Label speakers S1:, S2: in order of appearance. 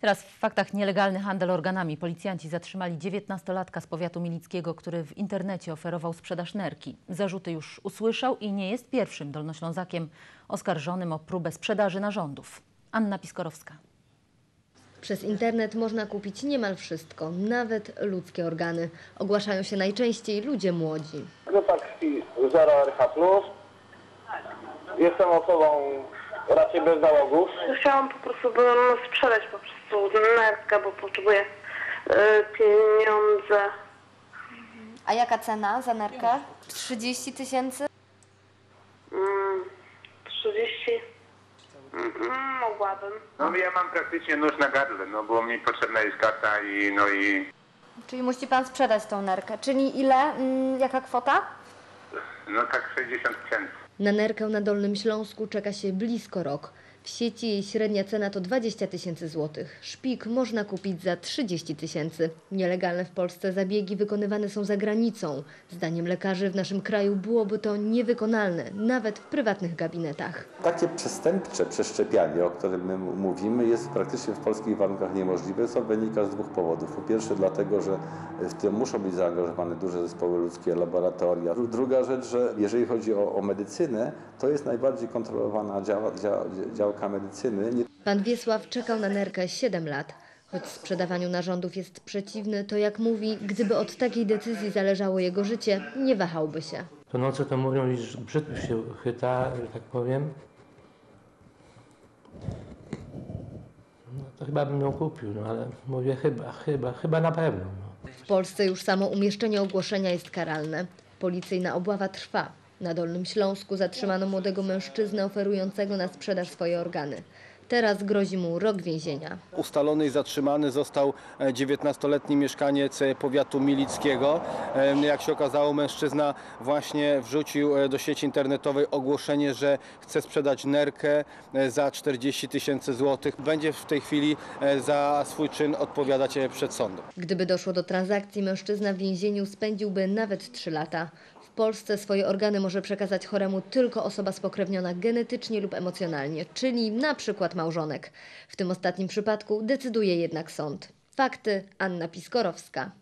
S1: Teraz w faktach: nielegalny handel organami. Policjanci zatrzymali 19-latka z powiatu milickiego, który w internecie oferował sprzedaż nerki. Zarzuty już usłyszał i nie jest pierwszym Dolnoślązakiem oskarżonym o próbę sprzedaży narządów. Anna Piskorowska.
S2: Przez internet można kupić niemal wszystko, nawet ludzkie organy. Ogłaszają się najczęściej ludzie młodzi.
S3: Grupa krwi 0RH+. Jestem osobą raczej bez załogów.
S4: Chciałam po prostu sprzedać po prostu nerkę, bo potrzebuję pieniądze.
S2: A jaka cena za nerkę? 30 000?
S4: 30. Mogłabym.
S5: No ja mam praktycznie nóż na gardle, no bo mi potrzebna jest karta i...
S2: Czyli musi pan sprzedać tą nerkę. Czyli ile? Jaka kwota?
S5: No tak 60 000.
S2: Na nerkę na Dolnym Śląsku czeka się blisko rok. W sieci jej średnia cena to 20 000 złotych. Szpik można kupić za 30 000. Nielegalne w Polsce zabiegi wykonywane są za granicą. Zdaniem lekarzy w naszym kraju byłoby to niewykonalne, nawet w prywatnych gabinetach.
S6: Takie przestępcze przeszczepianie, o którym my mówimy, jest praktycznie w polskich warunkach niemożliwe, co wynika z dwóch powodów. Po pierwsze dlatego, że w tym muszą być zaangażowane duże zespoły ludzkie, laboratoria. Druga rzecz, że jeżeli chodzi o medycynę, to jest najbardziej kontrolowana działka medycyny.
S2: Pan Wiesław czekał na nerkę 7 lat. Choć sprzedawaniu narządów jest przeciwny, to jak mówi, gdyby od takiej decyzji zależało jego życie, nie wahałby się.
S7: To nocy to mówią, iż brzytwy się chyta, że tak powiem. No to chyba bym ją kupił, no ale mówię chyba na pewno. No.
S2: W Polsce już samo umieszczenie ogłoszenia jest karalne. Policyjna obława trwa. Na Dolnym Śląsku zatrzymano młodego mężczyznę oferującego na sprzedaż swoje organy. Teraz grozi mu rok więzienia.
S8: Ustalony i zatrzymany został 19-letni mieszkaniec powiatu milickiego. Jak się okazało, mężczyzna właśnie wrzucił do sieci internetowej ogłoszenie, że chce sprzedać nerkę za 40 000 złotych. Będzie w tej chwili za swój czyn odpowiadać przed sądem.
S2: Gdyby doszło do transakcji, mężczyzna w więzieniu spędziłby nawet 3 lata. W Polsce swoje organy może przekazać choremu tylko osoba spokrewniona genetycznie lub emocjonalnie, czyli na przykład małżonek. W tym ostatnim przypadku decyduje jednak sąd. Fakty: Anna Piskorowska.